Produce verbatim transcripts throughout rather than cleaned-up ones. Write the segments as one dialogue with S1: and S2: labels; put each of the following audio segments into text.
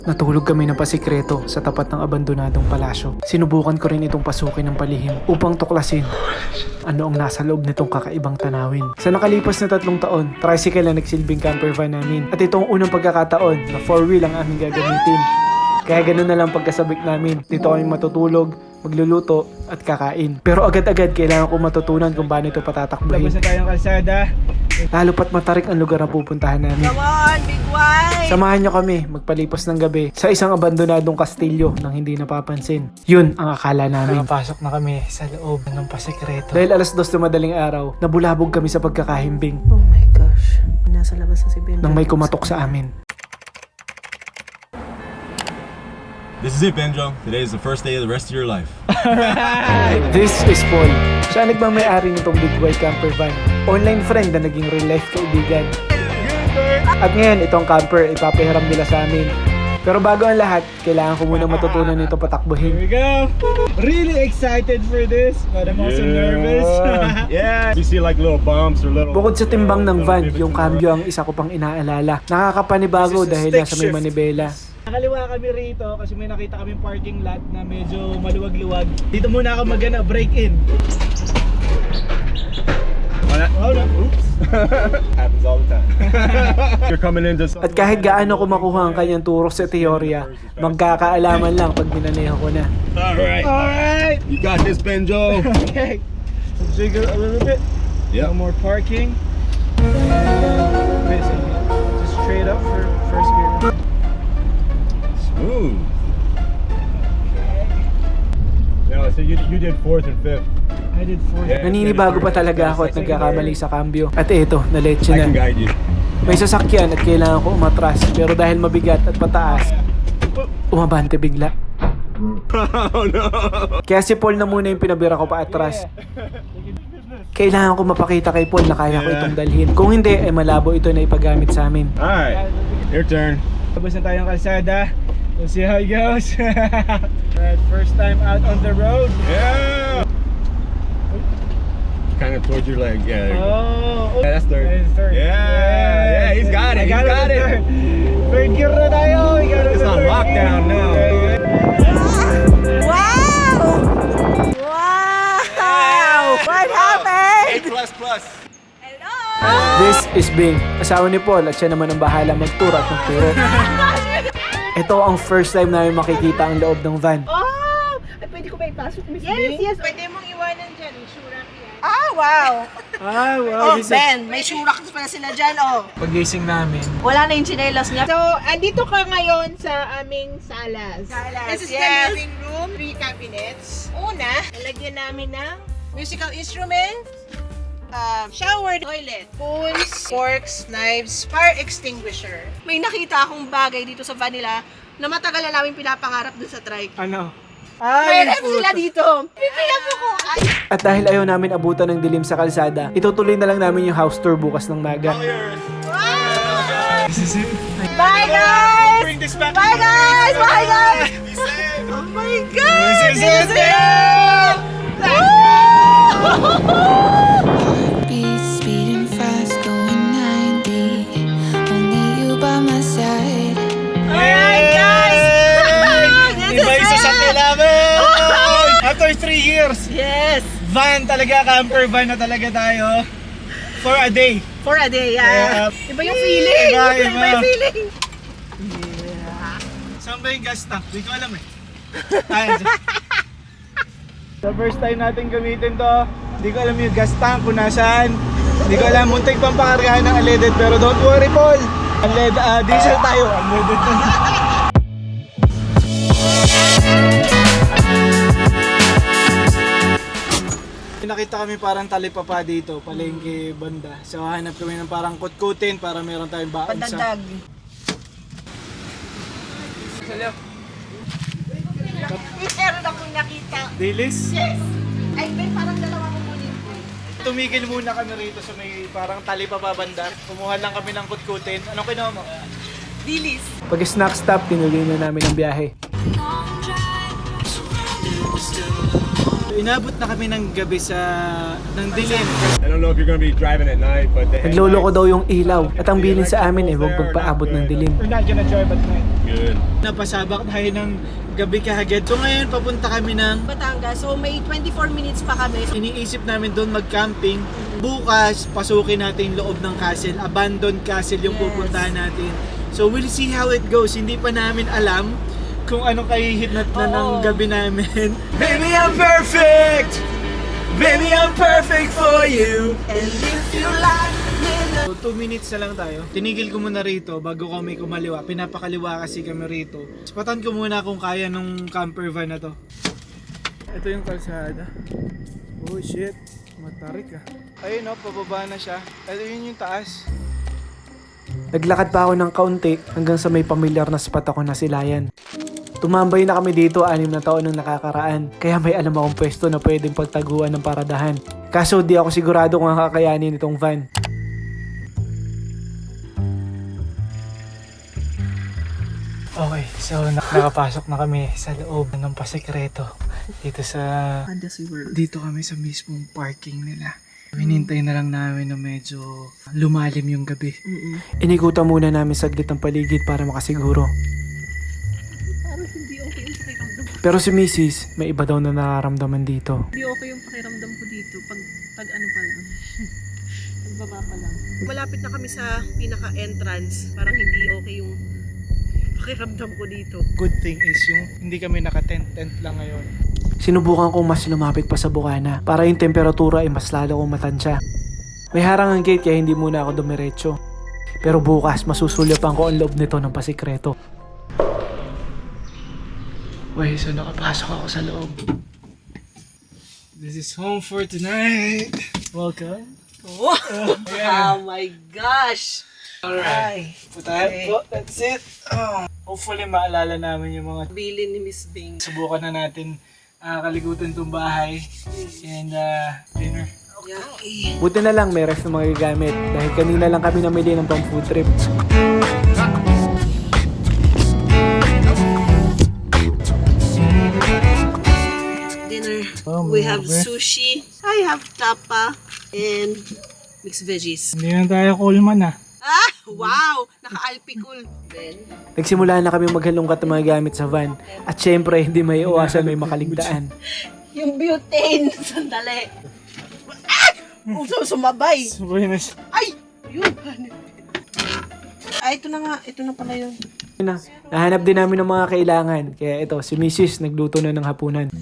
S1: Natulog kami ng pasikreto sa tapat ng abandonadong palasyo. Sinubukan ko rin itong pasukin ng palihim upang tuklasin ano ang nasa loob nitong kakaibang tanawin. Sa nakalipas na tatlong taon, tricycle na nagsilbing camper van namin. At ito ang unang pagkakataon na four wheel ang aming gagamitin. Kaya ganun na lang pagkasabik namin. Dito kami matutulog, magluluto at kakain. Pero agad-agad kailangan ko matutunan kung paano ito patatakbuhin.
S2: Labas na tayong kalsada.
S1: Lalo pat matarik ang lugar na pupuntahan namin.
S3: Come on, big white!
S1: Samahan nyo kami magpalipas ng gabi sa isang abandonadong kastilyo nang hindi napapansin. Yun ang akala namin. Nakapasok na kami sa loob ng pasikreto. Dahil alas dos na madaling araw, nabulabog kami sa pagkakahimbing
S3: Oh my gosh. Nasa labas na si Ben.
S1: nang may kumatok sa amin.
S4: This is it, Benjo. Today is the first day of the rest of your life.
S1: This is Paul. Siya ang nagmamayari nitong Big White Camper Van. Online friend na naging real life kaibigan. At ngayon, itong camper ipapahiram nila sa amin. Pero bago ang lahat, kailangan ko muna matutunan nito
S2: Here
S1: patakbuhin.
S2: we go. Really excited for this, but I'm also nervous.
S4: Yeah. You see like little bumps or little...
S1: Bukod sa timbang ng van, yung cambio ang isa ko pang inaalala. Nakakapanibago dahil nasa may manibela.
S2: Nakaliwa kami rito kasi may nakita kami parking lot na medyo maluwag-luwag. Dito muna ako magana break in. Oh no. Oops.
S4: Happens all the time. You're coming in just...
S1: At kahit gaano ko makuha ang kanyang turo sa teorya, magkakaalaman lang pag minaneho ko na.
S4: Alright.
S2: Alright.
S4: You got this, Benjo.
S2: Okay. Jiggle a little bit.
S4: Yep.
S2: No more parking. Okay, so just straight up for first gear.
S4: Smooth. No, so you, you did fourth and fifth.
S2: I did four.
S4: Yeah.
S1: Naninibago pa talaga ako at nagkakamali sa cambio. At eto, naletse
S4: I can
S1: na.
S4: guide you.
S1: May sasakyan at kailangan ko umatras. Pero dahil mabigat at pataas, umabante bigla.
S4: Oh no.
S1: Kaya si Paul na muna yung pinabira ko pa atras. Kailangan ko mapakita kay Paul na kaya ko itong dalhin. Kung hindi, eh malabo ito na ipagamit sa amin.
S4: Alright. Your turn.
S2: Labas na tayong kalsada. We'll see how it goes. Alright, first time out on the road.
S4: Yeah. Kind of towards your leg. Yeah. There you go.
S2: Oh,
S4: Yeah, that's third.
S2: that is third.
S4: Yeah, yeah, he's got it,
S2: I
S4: he's got
S2: in
S4: it.
S2: Third. Third gear na tayo. We got it
S4: It's
S2: in
S4: on
S2: third
S4: lockdown
S2: gear.
S4: now.
S2: Yeah, yeah.
S3: Wow! Wow! What happened?
S4: A plus plus.
S3: Hello!
S1: This is Bing, asawa ni Paul at siya naman ang bahala magturo at magturo. Ito ang first time namin makikita ang loob ng van.
S3: Oh! Ay, pwede ko ba ipasok, Miss
S5: Yes,
S3: Bing?
S5: yes. Pwede mong iwanan dyan. Sura yan.
S3: Ah, wow!
S1: Ah,
S3: Oh, Ben, may surak pala sila dyan, oh.
S1: Pagising namin,
S3: Wala na yung chinelas niya.
S5: So, andito ka ngayon sa aming salas.
S3: Salas,
S5: This is
S3: yes.
S5: the living room. Three cabinets. Una, nalagyan namin ng musical instruments, uh, shower, toilet, spoons, forks, knives, fire extinguisher.
S3: May nakita akong bagay dito sa vanilla na matagal na namin pinapangarap dun sa trike.
S1: ano?
S3: May ref sila dito. Pipiyak mo ko. Ay,
S1: At dahil ayaw namin abutan ng dilim sa kalsada, itutuloy na lang namin yung house tour bukas ng maga.
S3: bye, guys!
S2: Bring this back.
S3: Bye, guys! Bye, guys! Oh my God!
S2: This is it.
S6: Beats beating fast, going ninety. Only you by my side.
S2: Alright, guys!
S3: This
S2: Iba
S3: is
S2: isa sa
S3: it!
S2: kailangan! After three years,
S3: Yes!
S2: van talaga, camper van na talaga tayo. For a day.
S3: For a day, yeah.
S2: Yeah.
S3: Iba yung feeling.
S2: Iba,
S3: Iba,
S2: iba.
S3: yung feeling.
S2: Saan ba yung gas tank? Di ko alam eh. Ayan. The first time natin gamitin to, di ko alam yung gas tank kung nasaan. Di ko alam, muntik pang pakargahan ng unleaded. Pero don't worry, Paul. Unleaded, uh, diesel tayo. Unleaded na. Nakita kami parang talipapa dito, palengke banda. So hanap kami ng parang kutkutin para meron tayong baon sa...
S3: Pandagdag. Meron akong nakita.
S2: Dilis?
S3: Yes! Ay, Ben, parang dalawa ko kunin ko.
S2: Tumigil muna kami rito sa may parang talipapa banda. Kumuha lang kami ng kutkutin. Anong kinuha mo?
S3: Dilis.
S1: Pag snack stop, tinuloy na namin ang biyahe.
S2: Inabot na kami ng gabi sa ng dilim.
S4: I don't know if you're gonna be driving at night, but the
S1: Nagloloko daw yung ilaw at ang bilin sa amin ay huwag magpaabot ng dilim.
S2: We're not gonna drive at night.
S4: good.
S2: Napasabak tayo ng gabi kahagad. So ngayon papunta kami ng
S3: Batangas. So may twenty-four minutes pa kami.
S2: iniisip namin doon mag-camping. Bukas, pasukin natin yung loob ng castle. Abandoned castle yung
S3: Yes.
S2: pupuntahan natin. So we'll see how it goes. Hindi pa namin alam kung anong kahihinat na ng
S3: Oo.
S2: gabi namin. Baby, I'm perfect! Baby, I'm perfect for you!
S3: And if you like me,
S2: So, two minutes na lang tayo. Tinigil ko muna rito bago kami kumaliwa. Pinapakaliwa kasi kami rito. Spatan ko muna kung kaya nung camper van na to. Ito yung kalsada. Oh shit, matarik ah. Ayun oh, pababa na siya. Ito yun yung taas.
S1: Naglakad pa ako ng kaunti hanggang sa may pamilyar na spot ako na silayan. Tumambay na kami dito anim na taon nang nakakaraan, kaya may alam akong pwesto na pwedeng pagtaguan ng paradahan. Kaso di ako sigurado kung ang kakayanin itong van.
S2: Okay, so nak- nakapasok na kami sa loob ng pasekreto. Dito sa... Dito kami sa mismong parking nila. Hinintay na lang namin na medyo lumalim yung gabi.
S1: Inikutan muna namin saglit ang paligid para makasiguro.
S3: parang hindi okay yung pakiramdam.
S1: Pero si Missus, may iba daw na nararamdaman dito.
S3: Hindi okay yung pakiramdam ko dito pag, pag ano pa lang. Pagbaba pa lang. Malapit na kami sa pinaka-entrance. Parang hindi okay yung pakiramdam ko dito.
S2: Good thing is yung hindi kami naka-tent-tent lang ngayon.
S1: Sinubukan kong mas lumapit pa sa bukana para yung temperatura ay mas lalo kong matansya. May harang ang gate kaya hindi muna ako dumiretso. Pero bukas masusulyapan ko ang loob nito ng pasikreto.
S2: Wait, so nakapasok ako sa loob. This is home for tonight. Welcome.
S3: Oh, oh my gosh!
S2: Alright. Putahan po. That's it. Oh. Hopefully maalala namin yung mga
S3: Bilin ni Miss Bing.
S2: subukan na natin uh, kaligutan tong bahay and uh, dinner.
S3: Yeah.
S1: Buti na lang may ref na mga gagamit dahil kanina lang kami namili ng pang food trip.
S3: Dinner.
S2: Oh,
S3: We
S2: mga
S3: have
S2: be.
S3: sushi. I have tapa and mixed veggies.
S2: Hindi na tayo coolman ah.
S3: Ah! Wow! Naka-alpicol. Then,
S1: Nagsimula na kami maghalongkat ng mga gamit sa van at syempre hindi may iwasan may makaligtaan.
S3: yung butane. Sandali. Ah! Oh, sumabay.
S2: Sabay na siya.
S3: Ay! Yun. Ay, ito na nga. Ito na pala yun.
S1: Yun na, nahanap din namin ng mga kailangan kaya ito si Missus nagluto na ng hapunan.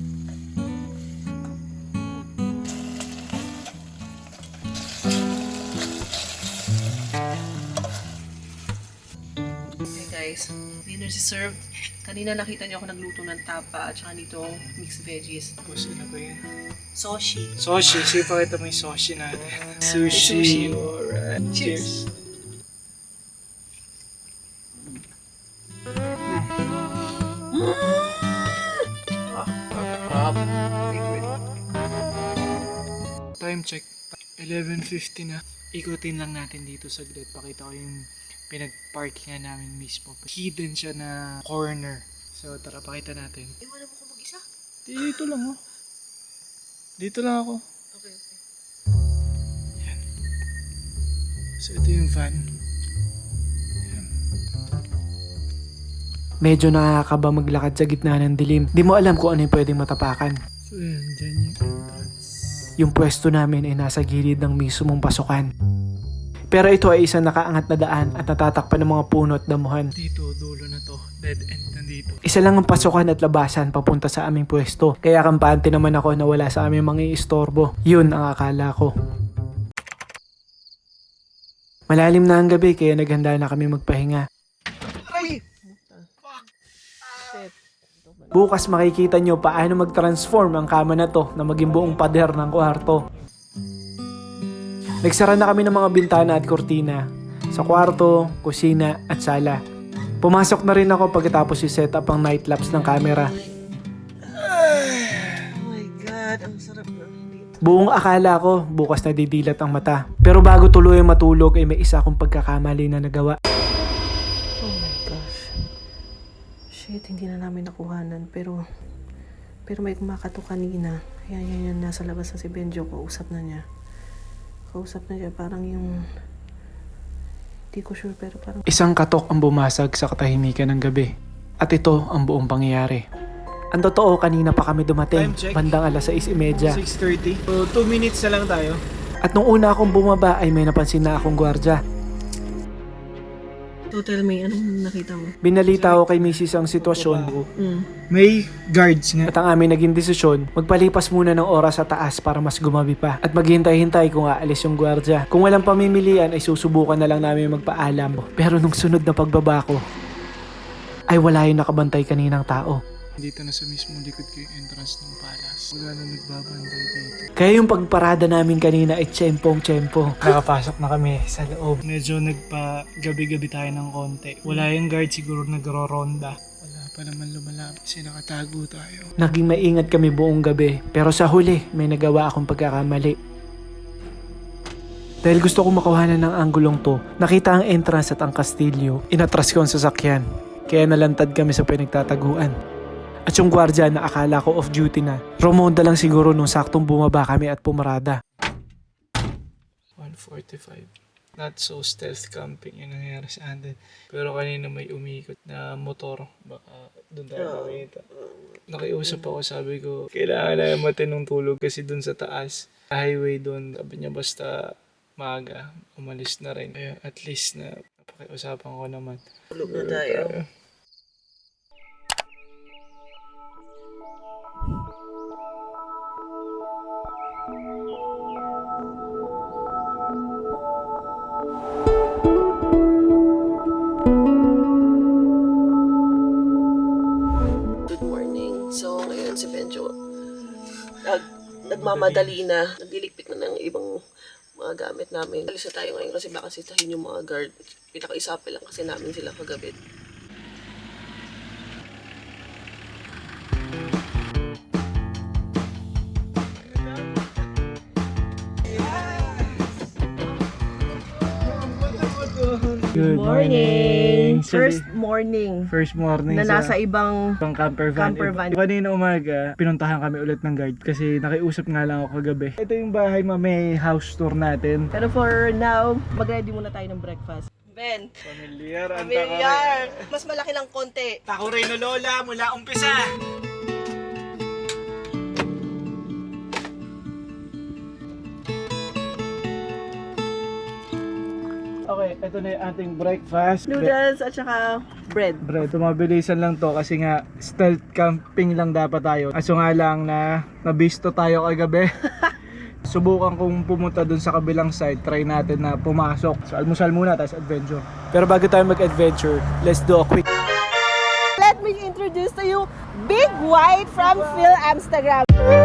S3: Okay guys, dinner is served. Kanina nakita niyo ako nagluto ng tapa at saka nitong mixed veggies.
S2: Tapos ano ba yan?
S3: Sushi.
S2: Sushi. Sige pa kita may sushi natin. Sushi.
S3: Sushi.
S2: Alright.
S3: Cheers.
S2: Cheers. Time check. eleven fifty na. Ikutin lang natin dito saglit. Pakita ko yung pinag-parkingan namin mismo. Hidden siya na corner. So tara, pakita natin.
S3: Iwanan mo ko mag-isa?
S2: Dito lang oh. Dito lang ako.
S3: Okay, okay.
S2: Yan. So ito yung van. Yan.
S1: Medyo nakakaba maglakad sa gitna ng dilim. Di mo alam kung ano yung pwedeng matapakan.
S2: So yan, dyan yung entrance.
S1: Yung pwesto namin ay nasa gilid ng mismong pasukan. Pero ito ay isang nakaangat na daan at natatakpan ng mga puno at damuhan.
S2: Dito, dulo na to. Dead end na dito.
S1: Isa lang ang pasukan at labasan papunta sa aming pwesto. Kaya kampante naman ako na wala sa aming mga istorbo. Yun ang akala ko. Malalim na ang gabi kaya naghanda na kami magpahinga. Bukas makikita nyo paano mag-transform ang kama na to na maging buong pader ng kwarto. Nagsara na kami ng mga bintana at kortina sa kwarto, kusina at sala. Pumasok na rin ako pagkatapos i-set up ang night lapse ng camera.
S3: Oh my God, ang sarap na dito.
S1: Buong akala ko bukas na didilat ang mata. Pero bago tuloy matulog ay may isa akong pagkakamali na nagawa.
S3: Oh my gosh. Shit, hindi na namin nakuhanan. Pero, Pero may kumakatok kanina. Ayan, yan, yan. Nasa labas na si Benjo. Kausap na niya. Kausap na niya. Parang yung... Hindi ko sure pero parang...
S1: Isang katok ang bumasag sa katahimikan ng gabi. At ito ang buong pangyayari. Ang totoo, kanina pa kami dumating.
S2: Time check.
S1: Bandang alas sais trenta.
S2: six thirty. So, two minutes na lang tayo.
S1: At nung una akong bumaba ay may napansin na akong gwardya.
S3: So tell me, anong nakita mo?
S1: Binalita ko kay Missus ang sitwasyon
S3: Mm.
S2: May guards nga.
S1: at ang aming naging desisyon, magpalipas muna ng oras sa taas para mas gumabi pa at maghintay-hintay kung aalis yung gwardya. Kung walang pamimilian ay susubukan na lang namin magpaalam. Pero nung sunod na pagbaba ko, ay wala yung nakabantay kaninang tao.
S2: Dito na sa mismong likod ko yung entrance ng palace. Wala na nagbabantay dito.
S1: Kaya yung pagparada namin kanina ay tsempong-tsempo. Nakapasok na kami sa loob.
S2: Medyo nagpa-gabi-gabi tayo ng konti. Wala yung guard siguro nagro-ronda. Wala pa naman lumalapit kasi nakatago tayo.
S1: Naging maingat kami buong gabi, pero sa huli may nagawa akong pagkakamali. Dahil gusto kong makawanan ng anggulong to, nakita ang entrance at ang kastilyo, inatras ko ang sasakyan. Kaya nalantad kami sa pinagtataguan. At yung gwardya na akala ko off duty na, romonda lang siguro nung saktong bumaba kami at pumarada.
S2: one forty-five. Not so stealth camping yung nangyari sa atin. Pero kanina may umikot na motor. Baka doon tayo makita. Nakiusap ako, sabi ko, kailangan na matinong tulog kasi doon sa taas. Highway doon, sabi niya basta maaga, umalis na rin. Kaya at least na napakiusapan ko naman.
S3: Tulog na tayo. Good morning. So, ngayon si Benjo nag, nagmamadali na. Nagliligpit na ng ibang mga gamit namin. Alis na tayo ngayon kasi baka sitahin yung mga guard. Pinaka-isapi lang kasi namin sila kagabi.
S2: Good morning!
S3: First morning
S2: First morning
S3: na
S2: sa
S3: nasa ibang
S2: ibang camper van.
S3: Camper van.
S2: Kanina umaga, pinuntahan kami ulit ng guard kasi nakiusap nga lang ako kagabi. Ito yung bahay, ma, may house tour natin.
S3: Pero for now, mag-ready muna tayo ng breakfast. Ben,
S2: Familiar, ang
S3: familiar. Mas malaki lang konti.
S2: Takuray na lola mula umpisa. Okay, ito na yung ating breakfast.
S3: Noodles at saka bread.
S2: Bread, tumabilisan lang to kasi nga stealth camping lang dapat tayo. Aso nga lang na nabisto tayo kagabi. Subukan kong pumunta dun sa kabilang side, try natin na pumasok. So almusal muna, tapos adventure.
S1: Pero bago tayo mag-adventure, let's do a quick.
S3: Let me introduce to you Big White from Phil Amsterdam.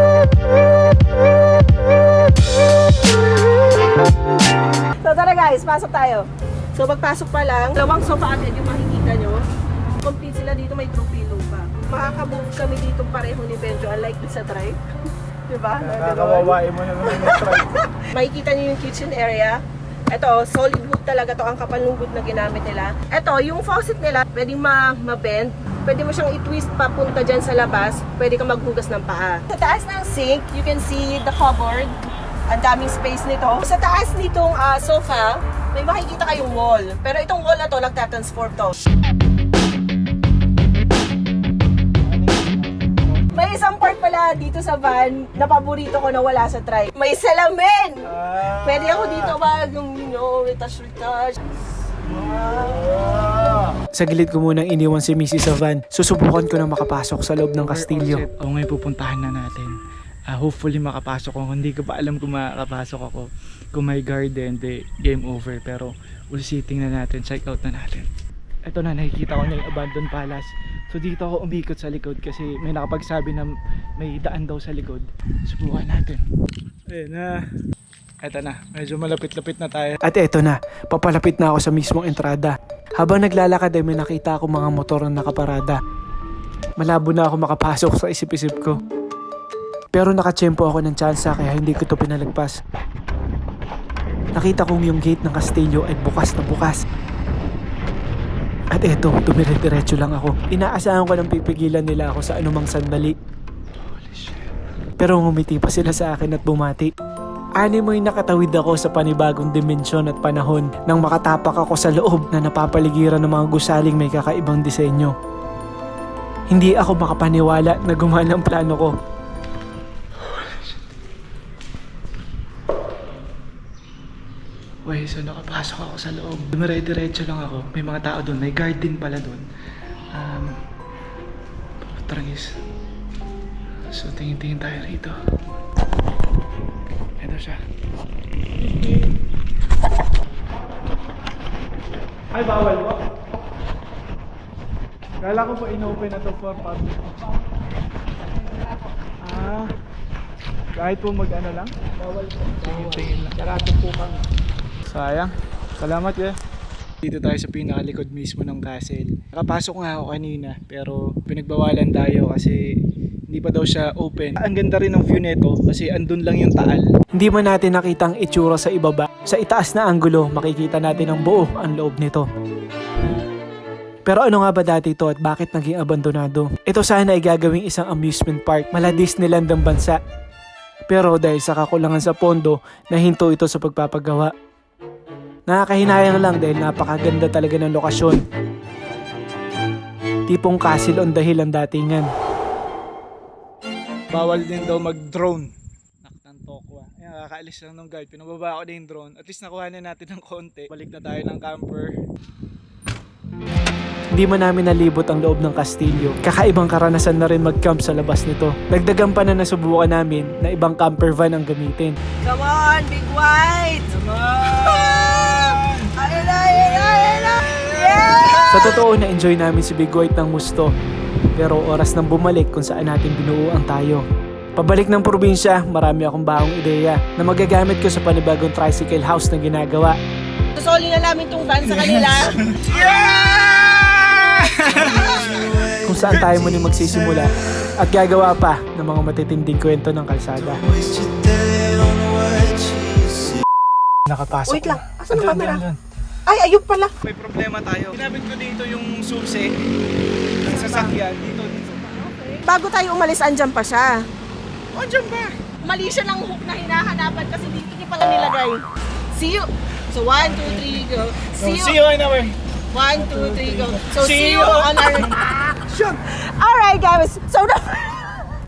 S3: So tara guys, pasok tayo. So pagpasok pa lang, dalawang sofa agad yung makikita nyo. Complete sila dito, may throw pillow pa. Makaka-move kami dito pareho ni Benjo, unlike sa drive. Diba?
S2: Nakakawawain mo naman yung try.
S3: Makikita nyo yung kitchen area. Ito, solid wood talaga to, ang kapal ng wood na ginamit nila. Ito, yung faucet nila, pwedeng ma- ma-bend. Pwede mo siyang i-twist papunta dyan sa labas. Pwede kang maghugas ng paa. Sa taas ng sink, you can see the cupboard. Ang daming space nito. Sa taas nitong uh, sofa, may makikita kayong wall. Pero itong wall na to, nagtatransform to. May isang part pala dito sa van na paborito ko na wala sa try. May salamin! Pwede ako dito mag, you know, retouch-retouch.
S1: Sa gilid ko munang iniwan si Missus sa van, susubukan ko na makapasok sa loob ng kastilyo.
S2: O ngayon pupuntahan na natin. Uh, hopefully makapasok ako. Hindi ko pa alam kung makapasok ako. Kung may garden, di game over. Pero ulisiting na natin, check out na natin. Ito na, nakikita ko na yung abandoned palace. So dito ako umikot sa likod kasi may nakapagsabi na may daan daw sa likod. Subukan natin. Ayun na. Ito na, medyo malapit-lapit na tayo.
S1: At eto na, papalapit na ako sa mismong entrada. Habang naglalakad ay may nakita ako mga motor na nakaparada. Malabo na ako makapasok sa isip-isip ko. Pero nakatsyempo ako ng tsansa kaya hindi ko ito pinalagpas. Nakita kong yung gate ng kastilyo ay bukas na bukas. At eto, dumire-diretso lang ako. Inaasahan ko nang pipigilan nila ako sa anumang sandali. Pero ngumiti pa sila sa akin at bumati. Animoy nakatawid ako sa panibagong dimensyon at panahon nang makatapak ako sa loob na napapaligiran ng mga gusaling may kakaibang disenyo. Hindi ako makapaniwala na gumana ang plano ko. Wait, so nakapasok ako sa loob. Dumire-diretso lang ako. May mga tao doon. May guard din pala doon. Um, Trangis. So tingin-tingin tayo rito. Ito siya. Ay, bawal po. Kala ko po in-open na to for public. Ah, kahit po mag-ano lang? Bawal po. Tingin-tingin lang. Sarado po kami. Sayang. Salamat eh. Dito tayo sa pinakalikod mismo ng castle. Nakapasok nga ako kanina pero pinagbawalan tayo kasi hindi pa daw siya open. Ang ganda rin ng view nito kasi andun lang yung taal. Hindi man natin nakitang itsura sa ibaba. Sa itaas na anggulo, makikita natin ang buo ang loob nito. Pero ano nga ba dati ito at bakit naging abandonado? Ito sana ay gagawing isang amusement park mala Disneyland ng bansa. Pero dahil sa kakulangan sa pondo, nahinto ito sa pagpapagawa. Nakakahinayang lang dahil napakaganda talaga ng lokasyon. Tipong castle on the hill ang datingan.
S2: Bawal din daw mag-drone. Naktan tokwa. Ayan, kakaalis lang ng guard. Pinababa ako na yung drone. At least nakuha na natin ng konti. Balik na tayo ng camper.
S1: Hindi man namin nalibot ang loob ng kastilyo. Kakaibang karanasan na rin mag-camp sa labas nito. Dagdagan pa na nasubukan namin na ibang camper van ang gamitin.
S3: Come on, Big White!
S2: Naman!
S3: Ayun na, ayun na, ayun na! Yeah!
S1: Sa totoo na-enjoy namin si Big White ng gusto. Pero oras nang bumalik kung saan natin binuuan tayo. Pabalik ng probinsya, marami akong bahong ideya na magagamit ko sa panibagong tricycle house na ginagawa.
S3: Susoli na namin tong van sa kanila.
S1: Kung saan tayo muli magsisimula at gagawa pa ng mga matitinding kwento ng kalsada. Nakapasok.
S3: Wait lang,
S1: na.
S3: asan ang
S1: Andun,
S3: camera?
S1: andun, andun.
S3: Ay, ayun pala.
S2: May problema tayo. Ginamit ko dito yung susi ng sasakyan. Dito, dito.
S3: Bago tayo umalis, andyan pa siya.
S2: O, dyan ba?
S3: Mali siya ng hook na hinahanapan kasi dito niya pala nilagay. See you. So, one, two, three, go. See you.
S2: See you in our...
S3: One, two, three, go. So,
S2: See
S3: see,
S2: you.
S3: you on our...
S2: Action!
S3: Alright, guys. So, the...